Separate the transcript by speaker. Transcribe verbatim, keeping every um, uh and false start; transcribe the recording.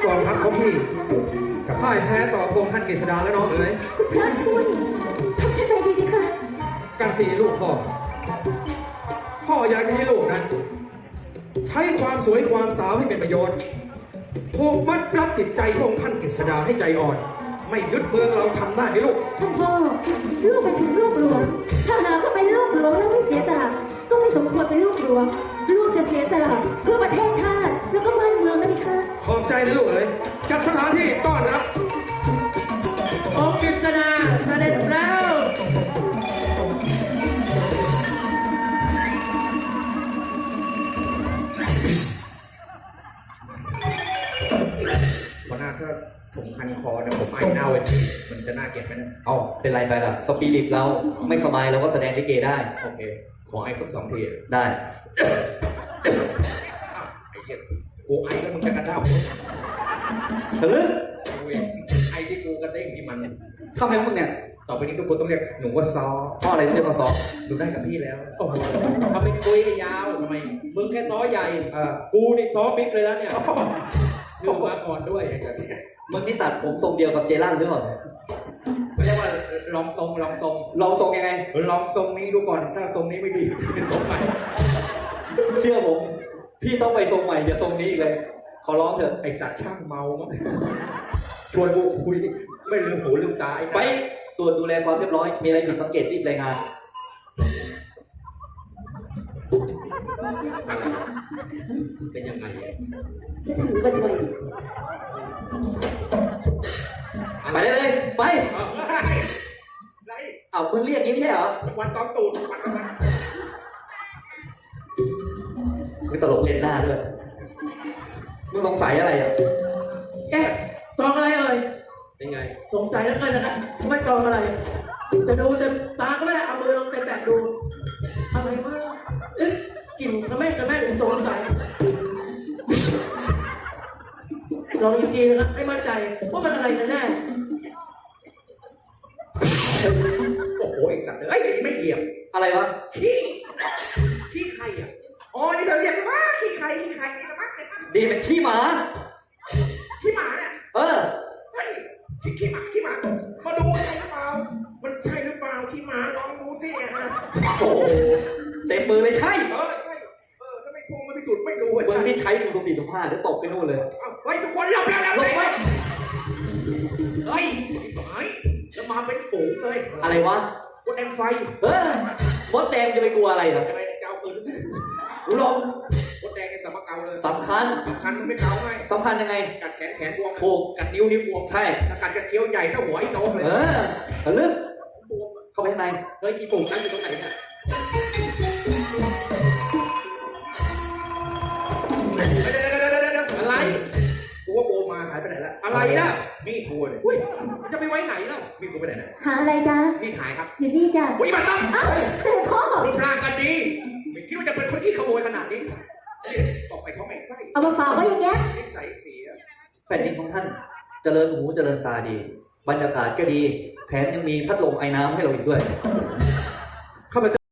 Speaker 1: กองทัพของพี่กับพ่ายแพ้ต่อพงท่านเกษดาแล้วน้องเอ๋ย
Speaker 2: พระช่วยทำฉันไปดีดีค่ะ
Speaker 1: กันสีลูกพ่อพ่ออยากจะให้ลูกนั้นใช้ความสวยความสาวให้เป็นประโยชน์ผูกมัดรัดจิตใจพงท่านเกษดาให้ใจอ่อนไม่ยึดเมืองเราทำได้ไหมลูก
Speaker 2: ท่านพ่อลูกเป็นถึงลูกหลวงถ้าหากว่าเป็นลูกหลวงแล้วไม่เสียสละก็ไม่สมควรเป็นลูกหลวงลูกจะเสียสละเพื่อประเทศชาติแล้วก็บ้านเมืองนะพี่คะ
Speaker 1: ขอบใจนะลูกเอ๋ยจัดสถานที่ต้อนรับ
Speaker 3: องค์กฤษณาเสด็จแล้ว
Speaker 1: พอหน้าถ้าผมคันคอเนี่ยผมไอเน่าเลยมันจะน่าเกลียดไหมเนี่ย
Speaker 4: เอ้าเป็นไรไปล่ะสปิริตเราไม่สบายเราก็แสดงลิเกได้
Speaker 1: โอเคขอไอสักสองที
Speaker 4: ได้
Speaker 1: ไอเหี้ยกูไอแล้วมึงจะกระเด้า
Speaker 4: ทะลึ่ง
Speaker 1: ไอที่กูกระเด้งที่มัน
Speaker 4: ทำไมมึงเนี่ย
Speaker 1: ต่อไปนี้ทุกคนต้องเรียกหนูว่าซอ
Speaker 4: พ่ออะไรที่เรียกว่าซอ
Speaker 1: ดูได้กับพี่แล้ว
Speaker 3: โอ้โหทำเป็นคุยยาวทำไมมึงแค่ซ้อใหญ่เออกูนี่ซ้อบิ๊กเลยแล้วเนี่ยชื่อมาก่อนด้วย
Speaker 4: มึงนี่ตัดผมทรงเดียวกับเจลั่นหรือเปล่า
Speaker 1: เรียกว่าลองทรงลองทรง
Speaker 4: ลองทรงยังไง
Speaker 1: ลองทรงนี้ดูก่อนถ้าทรงนี้ไม่ดีเป็นทรงใหม่
Speaker 4: เชื่อผมพี่ต้องไปทรงใหม่อย่าทรงนี้อีกเลยขอร้องเถอะ
Speaker 1: ไอสัตว์ช่างเมามั้งชวนกูคุยไม่ลืมหูลืมตา
Speaker 4: ไปตรวจดูแลความเรียบร้อยมีอะไรผิดสังเกตรีบรายงาน
Speaker 1: เป็นยังไง
Speaker 2: จะถือบัตรไว้
Speaker 4: ไปเลยไปเอามึงเรียกงี้ไม่ใช่เหรอ
Speaker 1: วันตอนตูดวันตอนนั้น
Speaker 4: มึงตลกเล่นหน้าด้วยมึงสงสัยอะไรอ่ะ
Speaker 3: แกกองอะไรเอ่ย
Speaker 1: เป็นไง
Speaker 3: สงสัยแล้วกันนะครับไม่กองอะไรจะดูจะตาก็ไม่ได้เอามือลงไปแตะดูอะไรวะเอ๊ะกลิ่นกระแม่กระแม่สงสัยลองอีกทีนะครับให้มั่นใจว่ามันอะไรกันแน่
Speaker 1: โอ้โหไอ้สัตว์เอ้ยไม่เกี่ยว
Speaker 4: อะไรวะ
Speaker 1: ขี้ขี้ใครอ่ะอ๋อนี่เธอเรียกว่าขี้ใครขี้ใครนี่นะมั้ง
Speaker 4: ดีเป็นขี้หมา
Speaker 1: ขี้หมาเนี่ย
Speaker 4: เออ
Speaker 1: เฮ้ยขี้ขี้หมาขี้หมามาดูใช่หรือเปล่ามันใช่หรือเปล่าขี้หมาลองดูสิฮะ
Speaker 4: โอ้เต็มมือเลยใช่
Speaker 1: เออใช่เออถ้าไม่พูดไม่พิสูจน์ไม่รู้
Speaker 4: มึงที่ใช้มึงตรงสี่ตรงห้าเดี๋ยวตกไปนู่นเลย
Speaker 1: เฮ้ยทุกคนหลับแล้วหลับเลยเฮ้ยหายจะมาเป็นฝูงเลย
Speaker 4: อะไรวะ
Speaker 1: มดแดงไฟ
Speaker 4: เออมดแดงจะไปกลัวอะไรเหรอ
Speaker 1: จะไปเกาปืน
Speaker 4: รู้ลม
Speaker 1: มดแดงในสมการเลย
Speaker 4: สำคัญ
Speaker 1: สำคัญมันไม่เกาไง
Speaker 4: สำคัญยังไง
Speaker 1: กัดแขนแขนบวม
Speaker 4: ถูก
Speaker 1: กัดนิ้วนิ้วบวม
Speaker 4: ใช่
Speaker 1: ถ้ากัดกระเทียวใหญ่ถ้าหัวไอ้โตเลย
Speaker 4: เออทะลึ่งเข้าไปข้างใน
Speaker 1: เฮ้ยอีปุ่มนั่งอยู่ตรงไหนเนี่ย
Speaker 3: อะไร
Speaker 1: กูว่าโบมาหายไปไหนละ
Speaker 3: อะไรล่ะ
Speaker 1: มีดกูเลย
Speaker 3: อุ้ยจะไปไว้ไหนล่ะ
Speaker 1: มีดกูไปไหนนะ
Speaker 2: หาอะไรจ๊ะ
Speaker 1: มีดหายครับ
Speaker 2: อยู่นี่จ้ะ
Speaker 1: อุ้ยมาตั้ง
Speaker 2: อ้าวเสด็จพ่อ
Speaker 1: รูปร่างกันดีไม่คิดว่าจะเป็นคนที่ขโมยขนาดนี้ตกไปเขาไม่ไส้
Speaker 2: เอามาฝากไว้อย่างเงี้ย
Speaker 1: นิสัยเสีย
Speaker 4: แผ่นดินของท่านเจริญหูเจริญตาดีบรรยากาศก็ดีแถมยังมีพัดลมไอ้น้ำให้เราอีกด้วย